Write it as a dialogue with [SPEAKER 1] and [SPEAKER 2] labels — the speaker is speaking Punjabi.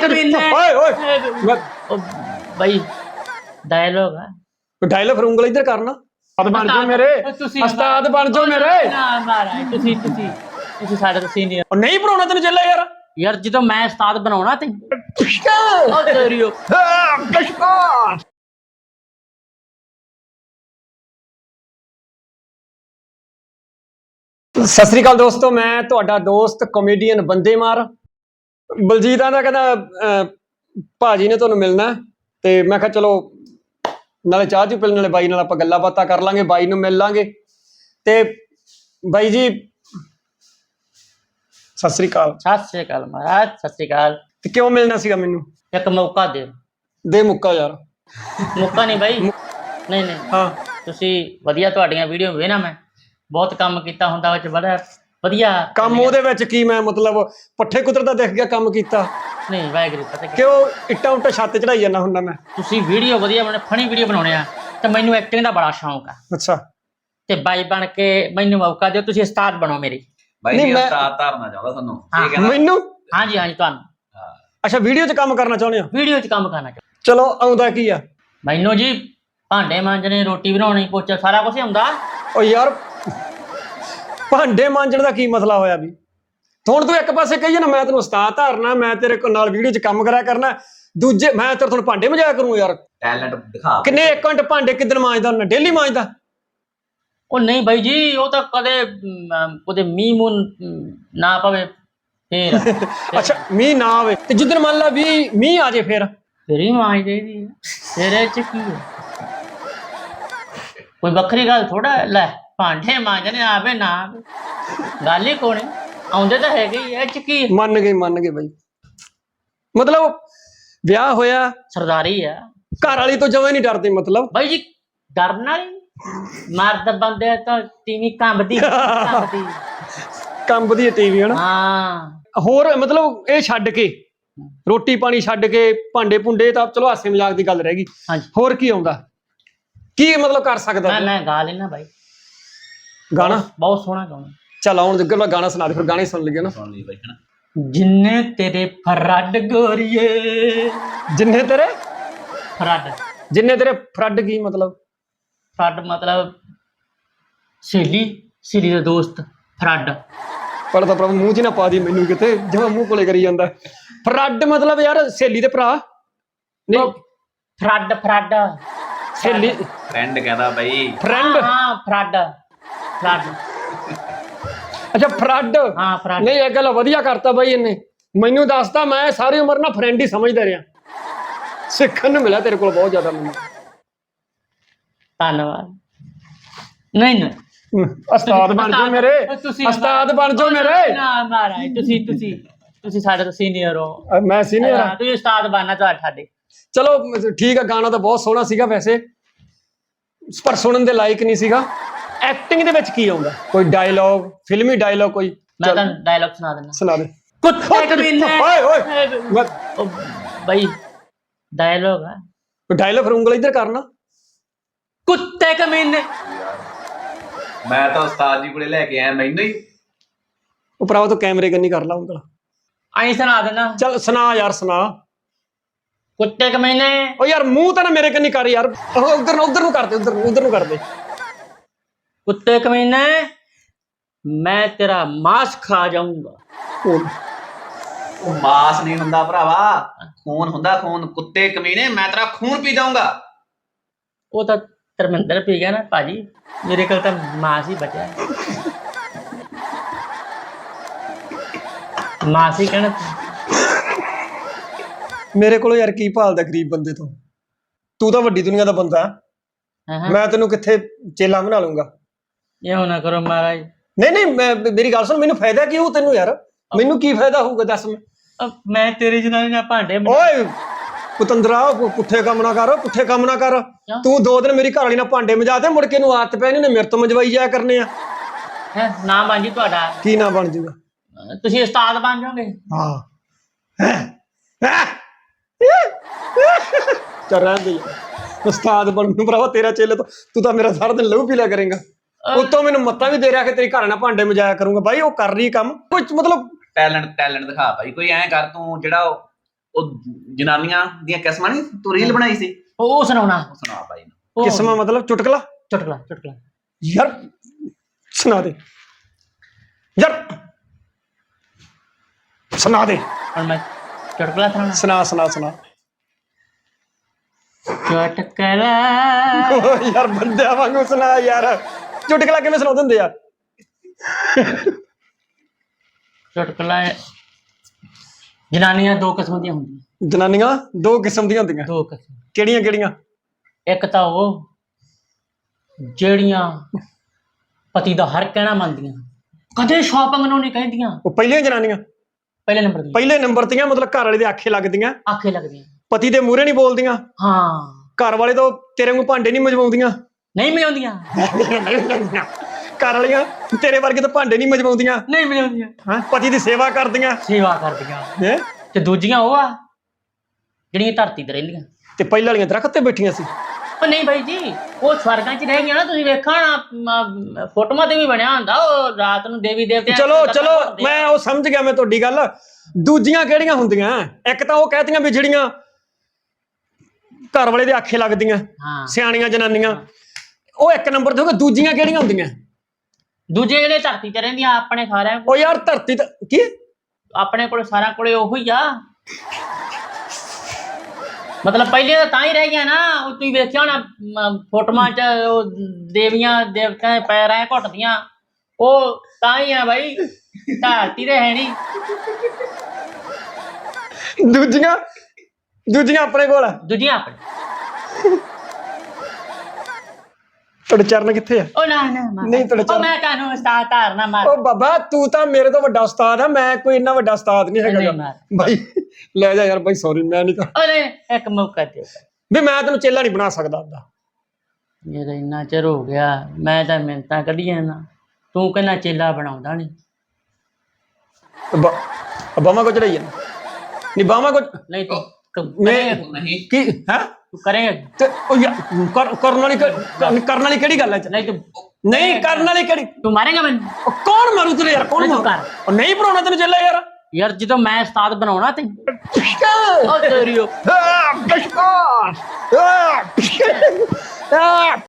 [SPEAKER 1] कमीने
[SPEAKER 2] ओए ओए
[SPEAKER 1] ओ भाई डायलॉग है
[SPEAKER 2] डायलॉग फिर उंगल इधर करना उस्ताद बन जाओ मेरे उस्ताद बन जाओ मेरे
[SPEAKER 1] ना मारा ਤੁਸੀਂ ਸਾਡੇ ਤੋਂ ਸੀਨੀਅਰ
[SPEAKER 2] और नहीं पढ़ाना तेन चला यार
[SPEAKER 1] ਯਾਰ ਜਦੋਂ ਮੈਂ ਉਸਤਾਦ ਬਣਾਉਣਾ ਤੇ ਉਹ ਤੇਰੀਓ
[SPEAKER 2] ਸਤਿ ਸ੍ਰੀ ਅਕਾਲ ਦੋਸਤੋ ਮੈਂ ਤੁਹਾਡਾ ਦੋਸਤ ਕਾਮੇਡੀਅਨ ਬੰਦੇ ਮਾਰ ਬਲਜੀਤ ਆਂਦਾ ਕਹਿੰਦਾ ਭਾਜੀ ਨੇ ਤੁਹਾਨੂੰ ਮਿਲਣਾ ਤੇ ਮੈਂ ਕਿਹਾ ਚਲੋ ਨਾਲੇ ਚਾਹ ਚੂ ਪੀਣ ਨਾਲੇ ਬਾਈ ਨਾਲ ਆਪਾਂ ਗੱਲਾਂ ਬਾਤਾਂ ਕਰ ਲਾਂਗੇ ਬਾਈ ਨੂੰ ਮਿਲ ਲਾਂਗੇ ਤੇ ਬਾਈ ਜੀ ਸਤਿ ਸ੍ਰੀ ਅਕਾਲ
[SPEAKER 1] ਮਹਾਰਾਜ ਸਤਿ ਸ੍ਰੀ ਅਕਾਲ
[SPEAKER 2] ਤੇ ਕਿਉਂ ਮਿਲਣਾ ਸੀਗਾ ਮੈਨੂੰ
[SPEAKER 1] ਇੱਕ ਮੌਕਾ
[SPEAKER 2] ਦੇ ਮੁੱਕਾ ਯਾਰ
[SPEAKER 1] ਮੌਕਾ ਨਹੀਂ ਬਾਈ ਨਹੀਂ
[SPEAKER 2] ਹਾਂ
[SPEAKER 1] ਤੁਸੀਂ ਵਧੀਆ ਤੁਹਾਡੀਆਂ ਵੀਡੀਓ ਵੇਖਣਾ ਮੈਂ ਬਹੁਤ ਕੰਮ ਕੀਤਾ ਹੁੰਦਾ ਵਿੱਚ ਬੜਾ ਵਧੀਆ
[SPEAKER 2] ਕੰਮ ਉਹਦੇ ਵਿੱਚ ਕੀ ਮੈਂ ਮਤਲਬ ਪੱਠੇ ਕੁਤਰਦਾ ਦਿਖ ਗਿਆ ਕੰਮ ਕੀਤਾ
[SPEAKER 1] ਨਹੀਂ ਵਾਹਿਗੁਰੂ ਪਤਾ
[SPEAKER 2] ਕਿਉਂ ਇੱਟਾਂ ਉੱਟਾਂ ਛੱਤ ਚੜਾਈ ਜਾਂਦਾ ਹੁੰਦਾ ਮੈਂ
[SPEAKER 1] ਤੁਸੀਂ ਵੀਡੀਓ ਵਧੀਆ ਬਣੇ ਫਨੀ ਵੀਡੀਓ ਬਣਾਉਣੇ ਆ ਤੇ ਮੈਨੂੰ ਐਕਟਿੰਗ ਦਾ ਬੜਾ ਸ਼ੌਂਕ ਆ
[SPEAKER 2] ਅੱਛਾ
[SPEAKER 1] ਤੇ ਬਾਈ ਬਣ ਕੇ ਮੈਨੂੰ ਮੌਕਾ ਦਿਓ ਤੁਸੀਂ ਉਸਤਾਦ ਬਣੋ ਮੇਰੀ
[SPEAKER 3] ਬਾਈ ਜੀ ਉਸਤਾਦ ਧਾਰਨਾ ਚਾਹੁੰਦਾ ਤੁਹਾਨੂੰ ਠੀਕ ਹੈ ਨਾ
[SPEAKER 2] ਮੈਨੂੰ
[SPEAKER 1] ਹਾਂਜੀ ਤੁਹਾਨੂੰ
[SPEAKER 2] ਅੱਛਾ ਵੀਡੀਓ 'ਚ ਕੰਮ ਕਰਨਾ ਚਾਹੁੰਦੇ ਹੋ
[SPEAKER 1] ਵੀਡੀਓ 'ਚ ਕੰਮ ਕਰਨਾ
[SPEAKER 2] ਚਲੋ ਆਉਂਦਾ ਕੀ ਆ
[SPEAKER 1] ਮੈਨੂੰ ਜੀ ਭਾਂਡੇ ਮਾਂਜਣੇ ਰੋਟੀ ਬਣਾਉਣੀ ਪੋਚਾ ਸਾਰਾ ਕੁਝ ਆਉਂਦਾ
[SPEAKER 2] ਓ ਯਾਰ ਭਾਂਡੇ ਮਾਂਜਣ ਦਾ ਕੀ ਮਸਲਾ ਹੋਇਆ ਵੀ ਹੁਣ ਤੂੰ ਇੱਕ ਪਾਸੇ ਕਹੀਏ ਨਾ ਮੈਂ ਤੈਨੂੰ ਉਸਤਾਦ ਧਾਰਨਾ ਮੈਂ ਤੇਰੇ ਨਾਲ ਵੀਡੀਓ 'ਚ ਕੰਮ ਕਰਿਆ ਕਰਨਾ ਦੂਜੇ ਮੈਂ ਤੇਰੇ ਤੁਹਾਨੂੰ ਭਾਂਡੇ ਮਜਾਇਆ ਕਰੂੰ ਯਾਰ
[SPEAKER 3] ਟੈਲੈਂਟ ਦਿਖਾ
[SPEAKER 2] ਕਿੰਨੇ 1 ਘੰਟੇ ਭਾਂਡੇ ਕਿੱਦਣ ਮਾਂਜਦਾ ਹੁੰਦਾ ਡੇਲੀ ਮਾਂਜਦਾ
[SPEAKER 1] ਉਹ ਨਹੀਂ ਬਾਈ ਜੀ ਉਹ ਤਾਂ ਕਦੇ ਉਹਦੇ ਮੀਂਹ ਮੂੰਹ ਨਾ ਪਵੇ ਫੇਰ
[SPEAKER 2] ਅੱਛਾ ਮੀਂਹ ਨਾ ਆਵੇ ਤੇ ਜਿੱਦਣ ਮੰਨ ਲਾ ਵੀ ਮੀਂਹ ਆ ਜੇ ਫਿਰ
[SPEAKER 1] ਹੀ ਮਾਂਜ ਦੇਦੀ ਤੇਰੇ ਚ ਕੀ ਹੈ ਕੋਈ ਵੱਖਰੀ ਗੱਲ ਥੋੜਾ ਲੈ ਭਾਂਡੇ ਮਾਂਜਣੇ ਆਵੇ ਨਾ ਆਵੇ ਗੱਲ ਹੀ ਕੋਣੇ ਆਉਂਦੇ ਤਾਂ ਹੈਗੇ ਹੀ ਇਹ ਚ ਕੀ
[SPEAKER 2] ਮੰਨ ਗਏ ਬਾਈ ਮਤਲਬ ਵਿਆਹ ਹੋਇਆ
[SPEAKER 1] ਸਰਦਾਰੀ ਆ
[SPEAKER 2] ਘਰ ਵਾਲੀ ਤੋਂ ਜਮਾਂ ਨਹੀਂ ਡਰਦੇ ਮਤਲਬ
[SPEAKER 1] ਬਾਈ ਜੀ ਡਰਨਾ ਹੀ ਮਰਦ ਬੰਦੇ ਤਾਂ ਟੀਵੀ ਕੰਬਦੀ
[SPEAKER 2] ਕੰਬਦੀ ਟੀਵੀ ਹਨਾ
[SPEAKER 1] ਹਾਂ
[SPEAKER 2] ਹੋਰ ਮਤਲਬ ਇਹ ਛੱਡ ਕੇ ਰੋਟੀ ਪਾਣੀ ਛੱਡ ਕੇ ਭਾਂਡੇ ਭੁੰਡੇ ਤਾਂ ਚਲੋ ਹਾਸੇ ਮਜ਼ਾਕ ਦੀ ਗੱਲ ਰਹਿ ਗਈ ਹੋਰ ਕੀ ਆਉਂਦਾ ਕੀ ਮਤਲਬ ਕਰ ਸਕਦਾ
[SPEAKER 1] ਮੈਂ ਗਾ ਲੈਣਾ ਬਾਈ
[SPEAKER 2] ਗਾਣਾ
[SPEAKER 1] ਬਹੁਤ ਸੋਹਣਾ ਗਾਣਾ
[SPEAKER 2] ਚੱਲ ਆਉਣ ਜੱਗਰ ਮੈਂ ਗਾਣਾ ਸੁਣਾ ਦੇ ਫਿਰ ਗਾਣੇ ਸੁਣ ਲਈਏ ਨਾ
[SPEAKER 3] ਸੁਣ ਲਈ ਬਾਈ ਹਨਾ
[SPEAKER 1] ਜਿੰਨੇ ਤੇਰੇ ਫਰੱਡ ਗੋਰੀਏ
[SPEAKER 2] ਜਿੰਨੇ ਤੇਰੇ ਫਰੱਡ ਕੀ ਮਤਲਬ
[SPEAKER 1] ਫਰੱਡ ਮਤਲਬ ਸਹੇਲੀ ਦਾ ਦੋਸਤ ਫਰੱਡ
[SPEAKER 2] ਪਰ ਤਾਂ ਪ੍ਰਭ ਮੂੰਹ 'ਚ ਨਾ ਪਾ ਦੀ ਮੈਨੂੰ ਕਿਤੇ ਜਿਵੇਂ ਮੂੰਹ ਕੋਲੇ ਕਰੀ ਜਾਂਦਾ ਫਰੱਡ ਮਤਲਬ ਯਾਰ ਸਹੇਲੀ ਦੇ ਭਰਾ ਨਹੀਂ
[SPEAKER 1] ਫਰੱਡ
[SPEAKER 2] ਸਹੇਲੀ
[SPEAKER 3] ਫਰੈਂਡ ਕਹਿੰਦਾ ਬਾਈ
[SPEAKER 2] ਫਰੈਂਡ
[SPEAKER 1] ਹਾਂ ਫਰੱਡ
[SPEAKER 2] ਅੱਛਾ ਫਰੱਡ
[SPEAKER 1] ਹਾਂ ਫਰੱਡ
[SPEAKER 2] ਨਹੀਂ ਇਹ ਗੱਲ ਵਧੀਆ ਕਰਤਾ ਬਾਈ ਇਹਨੇ ਮੈਨੂੰ ਦੱਸਦਾ ਮੈਂ ਸਾਰੀ ਉਮਰ ਨਾ ਫਰੈਂਡ ਹੀ ਸਮਝਦਾ ਰਿਹਾ ਸਿੱਖਣ ਨੂੰ ਮਿਲਿਆ ਤੇਰੇ ਕੋਲ ਬਹੁਤ ਜ਼ਿਆਦਾ ਮੈਨੂੰ
[SPEAKER 1] ਧੰਨਵਾਦ ਨਹੀਂ
[SPEAKER 2] ਉਸਤਾਦ ਬਣ ਜਾਓ ਮੇਰੇ ਉਸਤਾਦ ਬਣ ਜਾਓ ਮੇਰੇ
[SPEAKER 1] ਨਾ ਮਹਾਰਾਜ ਤੁਸੀਂ ਸਾਡੇ ਤੋਂ ਸੀਨੀਅਰ ਹੋ
[SPEAKER 2] ਮੈਂ ਸੀਨੀਅਰ ਹਾਂ
[SPEAKER 1] ਤੁਸੀਂ ਉਸਤਾਦ ਬਣਨਾ ਤੁਹਾਡੇ
[SPEAKER 2] ਚਲੋ ਠੀਕ ਆ ਗਾਣਾ ਤਾਂ ਬਹੁਤ ਸੋਹਣਾ ਸੀਗਾ ਵੈਸੇ ਪਰ ਸੁਣਨ ਦੇ ਲਾਇਕ ਨਹੀਂ ਸੀਗਾ ਐਕਟਿੰਗ ਦੇ ਵਿੱਚ ਕੀ ਆਉਂਦਾ ਕੋਈ ਡਾਇਲੌਗ ਫਿਲਮੀ ਡਾਇਲੌਗ ਕੋਈ
[SPEAKER 1] ਮੈਂ ਤਾਂ ਡਾਇਲੌਗ ਸੁਣਾ ਦਿੰਦਾ
[SPEAKER 2] ਸੁਣਾ ਦੇ
[SPEAKER 1] ਕੁੱਤੇ ਕਮੀਨੇ
[SPEAKER 2] ਓਏ
[SPEAKER 1] ਬਾਈ ਡਾਇਲੌਗ ਹੈ
[SPEAKER 2] ਡਾਇਲੌਗ ਫਿਰ ਉਂਗਲ ਇੱਧਰ ਕਰਨਾ
[SPEAKER 1] ਕੁੱਤੇ ਕਮੀਨੇ
[SPEAKER 3] ਮੈਂ ਤਾਂ ਉਸਤਾਦ ਜੀ ਕੋਲੇ ਲੈ ਕੇ ਆਇਆ ਮੈਨੂੰ ਹੀ
[SPEAKER 2] ਉਹ ਭਰਾਵਾ ਤੂੰ ਕੈਮਰੇ ਕੰਨੀ ਕਰ ਲਾ ਉਂਗਲ
[SPEAKER 1] ਆਈ ਸੁਣਾ ਦੇਣਾ
[SPEAKER 2] ਚੱਲ ਸੁਣਾ ਯਾਰ ਸੁਣਾ
[SPEAKER 1] ਕੁੱਤੇ ਕਮੀਨੇ
[SPEAKER 2] ਓ ਯਾਰ ਮੂੰਹ ਤਾਂ ਨਾ ਮੇਰੇ ਕੰਨੀ ਕਰ ਯਾਰ ਉਧਰ ਨੂੰ ਕਰਦੇ ਉਧਰ ਨੂੰ ਕਰਦੇ
[SPEAKER 1] ਕੁੱਤੇ ਕਮੀਨੇ ਮੈਂ ਤੇਰਾ ਮਾਸ ਖਾ ਜਾਊਂਗਾ
[SPEAKER 3] ਉਹ ਮਾਸ ਨਹੀਂ ਹੁੰਦਾ ਭਰਾਵਾ ਖੂਨ ਹੁੰਦਾ ਖੂਨ ਕੁੱਤੇ ਕਮੀਨੇ ਮੈਂ ਤੇਰਾ ਖੂਨ ਪੀ ਜਾਊਂਗਾ
[SPEAKER 1] ਉਹ ਤਾਂ ਧਰਮਿੰਦਰ ਪੀ ਗਿਆ ਨਾ ਭਾਜੀ ਮੇਰੇ ਕੋਲ ਤਾਂ ਮਾਸ ਹੀ ਬਚਿਆ ਮਾਸ ਹੀ ਕਹਿਣਾ
[SPEAKER 2] ਮੇਰੇ ਕੋਲ ਯਾਰ ਕੀ ਭਾਲਦਾ ਗਰੀਬ ਬੰਦੇ ਤੋਂ ਤੂੰ ਤਾਂ ਵੱਡੀ ਦੁਨੀਆ ਦਾ ਬੰਦਾ ਮੈਂ ਤੈਨੂੰ ਕਿੱਥੇ ਚੇਲਾ ਬਣਾ ਲੂੰਗਾ
[SPEAKER 1] ਇਹ ਨਾ ਕਰੋ ਮਹਾਰਾਜ
[SPEAKER 2] ਨਹੀਂ ਮੇਰੀ ਗੱਲ ਸੁਣ ਮੈਨੂੰ ਫਾਇਦਾ ਕੀ ਹੋਊ ਤੈਨੂੰ ਯਾਰ ਮੈਨੂੰ ਕੀ ਫਾਇਦਾ ਹੋਊਗਾ ਦੱਸ
[SPEAKER 1] ਮੈਂ ਤੇਰੇ ਜਨਾਨੀ ਨਾਲ ਭਾਂਡੇ
[SPEAKER 2] ਓਏ ਪੁੱਤੰਦਰਾ ਪੁੱਠੇ ਕੰਮ ਨਾ ਕਰ ਤੂੰ 2 ਦਿਨ ਮੇਰੀ ਘਰ ਵਾਲੀ ਨਾਲ ਭਾਂਡੇ ਮਜਾ ਤੇ ਮੁੜ ਕੇ ਨੂੰ ਆਦਤ ਪੈ ਨੇ ਮੇਰੇ ਤੋਂ ਮਜਵਾਈ ਜਾਇਆ ਕਰਨੇ ਆ
[SPEAKER 1] ਨਾ ਬਣ ਜੀ ਤੁਹਾਡਾ ਕੀ
[SPEAKER 2] ਨਾ ਬਣ ਜੂਗਾ
[SPEAKER 1] ਤੁਸੀਂ ਉਸਤਾਦ ਬਣ ਜਾਓਗੇ
[SPEAKER 2] ਚੱਲ ਰਹਿਣ ਦੇ ਉਸਤਾਦ ਬਣਨ ਨੂੰ ਭਰਾਵਾ ਤੇਰਾ ਚੇਲੇ ਤੋਂ ਤੂੰ ਤਾਂ ਮੇਰਾ ਸਾਰਾ ਦਿਨ ਲਹੂ ਪੀ ਲਿਆ ਕਰੇਗਾ ਉਤੋਂ ਮੈਨੂੰ ਮੱਤਾਂ ਵੀ ਦੇ ਰਿਹਾ ਕਿ ਤੇਰੀ ਘਰ ਨਾਲ ਭਾਂਡੇ ਮਜਾਇਆ ਕਰੂੰਗਾ ਬਾਈ ਉਹ ਕਰ ਰਹੀ ਕੰਮ ਕੁਝ ਮਤਲਬ
[SPEAKER 3] ਟੈਲੈਂਟ ਦਿਖਾ ਭਾਈ ਕੋਈ ਐਂ ਕਰ ਤੂੰ ਜਿਹੜਾ ਉਹ ਜਨਾਨੀਆਂ ਦੀਆਂ ਕਿਸਮਾਂ ਨਹੀਂ ਤੂੰ ਰੀਲ ਬਣਾਈ ਸੀ,
[SPEAKER 1] ਉਹ ਸੁਣਾਉਣਾ।
[SPEAKER 3] ਉਹ ਸੁਣਾ ਬਾਈ ਨੂੰ।
[SPEAKER 1] ਉਹ
[SPEAKER 2] ਕਿਸਮਾਂ ਮਤਲਬ ਚੁਟਕਲਾ?
[SPEAKER 1] ਚੁਟਕਲਾ ਚੁਟਕਲਾ
[SPEAKER 2] ਯਾਰ ਸੁਣਾ ਦੇ ਯਾਰ, ਸੁਣਾ ਦੇ।
[SPEAKER 1] ਹੁਣ ਮੈਂ ਚੁਟਕਲਾ ਸੁਣਾਉਣਾ।
[SPEAKER 2] ਸੁਣਾ ਸੁਣਾ ਸੁਣਾ।
[SPEAKER 1] ਚੁਟਕਲਾ
[SPEAKER 2] ਓ ਯਾਰ ਬੰਦਿਆਂ ਵਾਂਗੂ ਸੁਣਾ ਯਾਰ, ਚੁਟਕਲਾ ਕਿਵੇਂ ਸੁਣਾਉਂਦੇ ਹੁੰਦੇ ਆ?
[SPEAKER 1] ਚੁਟਕਲਾ ਜਨਾਨੀਆਂ ਦੋ ਕਿਸਮ ਦੀਆਂ ਹੁੰਦੀਆਂ।
[SPEAKER 2] ਜਨਾਨੀਆਂ ਦੋ ਕਿਸਮ ਦੀਆਂ ਹੁੰਦੀਆਂ?
[SPEAKER 1] ਦੋ ਕਿਸਮ।
[SPEAKER 2] ਕਿਹੜੀਆਂ ਕਿਹੜੀਆਂ?
[SPEAKER 1] ਇੱਕ ਤਾਂ ਉਹ ਜਿਹੜੀਆਂ ਪਤੀ ਦਾ ਹਰ ਕਹਿਣਾ ਮੰਨਦੀਆਂ, ਕਦੇ ਸ਼ਾਪਿੰਗ ਨੂੰ ਨਹੀਂ ਕਹਿੰਦੀਆਂ।
[SPEAKER 2] ਉਹ ਪਹਿਲੀਆਂ ਜਨਾਨੀਆਂ?
[SPEAKER 1] ਪਹਿਲੇ ਨੰਬਰ ਦੀਆਂ।
[SPEAKER 2] ਪਹਿਲੇ ਨੰਬਰ ਤੀਆਂ, ਮਤਲਬ ਘਰ ਵਾਲੇ ਦੇ ਆਖੇ ਲੱਗਦੀਆਂ,
[SPEAKER 1] ਆਖੇ ਲੱਗਦੀਆਂ।
[SPEAKER 2] ਪਤੀ ਦੇ ਮੂਹਰੇ ਨਹੀਂ ਬੋਲਦੀਆਂ।
[SPEAKER 1] ਹਾਂ।
[SPEAKER 2] ਘਰ ਵਾਲੇ ਤੋਂ ਤੇਰੇ ਨੂੰ ਭਾਂਡੇ ਨਹੀਂ ਮਜਵਾਉਂਦੀਆਂ।
[SPEAKER 1] ਨਹੀਂ ਮਿਲਾਉਂਦੀਆਂ।
[SPEAKER 2] ਘਰ ਵਾਲੀਆਂ ਤੇਰੇ ਵਰਗੇ ਤਾਂ ਭਾਂਡੇ ਨਹੀਂ ਮਜਵਾਉਂਦੀਆਂ।
[SPEAKER 1] ਨਹੀਂ ਮਿਲਾਉਂਦੀਆਂ।
[SPEAKER 2] ਹਾਂ, ਪਤੀ ਦੀ ਸੇਵਾ ਕਰਦੀਆਂ।
[SPEAKER 1] ਸੇਵਾ ਕਰਦੀਆਂ।
[SPEAKER 2] ਹੈਂ?
[SPEAKER 1] ਤੇ ਦੂਜੀਆਂ ਉਹ ਆ ਜਿਹੜੀਆਂ ਧਰਤੀ ਤੇ ਰਹਿੰਦੀਆਂ।
[SPEAKER 2] ਤੇ ਪਹਿਲਾਂ ਵਾਲੀਆਂ ਦਰਖਤ ਤੇ ਬੈਠੀਆਂ ਸੀ।
[SPEAKER 1] ਉਹ ਨਹੀਂ ਬਾਈ ਜੀ, ਉਹ ਸਵਰਗਾਂ 'ਚ ਰਹਿ ਗਈਆਂ ਨਾ। ਤੁਸੀਂ ਵੇਖਾ ਨਾ ਫੋਟੋਆਂ ਤੇ ਵੀ ਬਣਿਆ ਹੁੰਦਾ, ਉਹ ਰਾਤ ਨੂੰ ਦੇਵੀ ਦੇਵਤੇ।
[SPEAKER 2] ਚਲੋ ਚਲੋ, ਮੈਂ ਉਹ ਸਮਝ ਗਿਆ, ਮੈਂ ਤੁਹਾਡੀ ਗੱਲ। ਦੂਜੀਆਂ ਕਿਹੜੀਆਂ ਹੁੰਦੀਆਂ? ਇੱਕ ਤਾਂ ਉਹ ਕਹਿਤੀਆਂ ਵੀ ਜਿਹੜੀਆਂ ਘਰ ਵਾਲੇ ਦੇ ਆਖੇ ਲੱਗਦੀਆਂ, ਸਿਆਣੀਆਂ ਜਨਾਨੀਆਂ, ਉਹ ਇੱਕ ਨੰਬਰ ਤੇ ਹੋ ਗਏ। ਦੂਜੀਆਂ ਕਿਹੜੀਆਂ ਹੁੰਦੀਆਂ?
[SPEAKER 1] ਦੂਜੇ ਜਿਹੜੇ ਧਰਤੀ ਤੇ ਰਹਿੰਦੀਆਂ, ਆਪਣੇ ਸਾਰਿਆਂ
[SPEAKER 2] ਉਹ ਯਾਰ ਧਰਤੀ ਤੇ ਕੀ
[SPEAKER 1] ਆਪਣੇ ਕੋਲ ਸਾਰਿਆਂ ਕੋਲੇ ਉਹੋ ਹੀ ਆ। ਮਤਲਬ ਪਹਿਲੇ ਤਾਂ ਹੀ ਰਹਿ ਗਿਆ ਨਾ। ਉਹ ਤੁਸੀਂ ਵੇਖਿਆ ਹੋਣਾ ਫੋਟੋਆਂ 'ਚ, ਉਹ ਦੇਵੀਆਂ ਦੇਵਤਿਆਂ ਦੇ ਪੈਰ ਐ ਘੁੱਟਦੀਆਂ, ਉਹ ਤਾਂ ਹੀ ਆ ਬਾਈ, ਧਰਤੀ ਤੇ ਹੈ ਨਹੀਂ।
[SPEAKER 2] ਦੂਜੀਆਂ ਦੂਜੀਆਂ ਆਪਣੇ ਕੋਲ ਆ।
[SPEAKER 1] ਦੂਜੀਆਂ ਆਪਣੇ।
[SPEAKER 2] ਤੁਹਾਡੇ ਚਰਨ ਕਿੱਥੇ ਆ?
[SPEAKER 1] ਉਹ ਨਾ ਨਾ
[SPEAKER 2] ਨਹੀਂ ਤੁਹਾਡੇ
[SPEAKER 1] ਉਹ ਮੈਂ ਕਾਨੂੰ ਉਸਤਾਦ ਧਾਰਨਾ ਮਾਰ।
[SPEAKER 2] ਉਹ ਬਾਬਾ ਤੂੰ ਤਾਂ ਮੇਰੇ ਤੋਂ ਵੱਡਾ ਉਸਤਾਦ ਆ, ਮੈਂ ਕੋਈ ਇੰਨਾ ਵੱਡਾ ਉਸਤਾਦ ਨਹੀਂ ਹੈਗਾ ਬਾਈ। ਲੈ ਜਾ ਯਾਰ ਬਾਈ, ਸੌਰੀ, ਮੈਂ ਨਹੀਂ ਕਰ।
[SPEAKER 1] ਅਰੇ ਇੱਕ ਮੌਕਾ ਦੇ
[SPEAKER 2] ਵੀ ਮੈਂ ਤੈਨੂੰ ਚੇਲਾ ਨਹੀਂ ਬਣਾ ਸਕਦਾ ਆਪਦਾ।
[SPEAKER 1] ਜਿਹੜਾ ਇੰਨਾ ਚਿਰ ਹੋ ਗਿਆ, ਮੈਂ ਤਾਂ ਮਿਹਨਤਾਂ ਕੱਢੀਆਂ ਨਾ, ਤੂੰ ਕਹਿੰਦਾ ਚੇਲਾ ਬਣਾਉਂਦਾ ਨਹੀਂ।
[SPEAKER 2] ਬਾਵਾ ਕੋ ਚੜਾਈ ਜਾਂਦਾ ਨਹੀਂ, ਬਾਵਾ ਕੋ
[SPEAKER 1] ਨਹੀਂ ਤੂੰ
[SPEAKER 3] ਨਹੀਂ
[SPEAKER 2] ਕੀ ਹੈ
[SPEAKER 1] ਤੂੰ ਕਰੇਗਾ।
[SPEAKER 2] ਤੇ ਉਹ ਕਰਨ ਵਾਲੀ ਕਿਹੜੀ ਗੱਲ ਹੈ?
[SPEAKER 1] ਨਹੀਂ ਤੂੰ
[SPEAKER 2] ਨਹੀਂ ਕਰਨ ਵਾਲੀ ਕਿਹੜੀ?
[SPEAKER 1] ਤੂੰ ਮਾਰੇਗਾ ਮੈਨੂੰ?
[SPEAKER 2] ਕੌਣ ਮਾਰੂ ਤੈਨੂੰ ਯਾਰ? ਕੌਣ ਮਾਰੂ? ਉਹ ਨਹੀਂ ਬਣਾਉਣਾ ਤੈਨੂੰ ਚੇਲਾ ਯਾਰ।
[SPEAKER 1] ਯਾਰ ਜਦੋਂ ਮੈਂ ਉਸਤਾਦ ਬਣਾਉਣਾ ਤੇ ਉਹ ਤੇਰੀ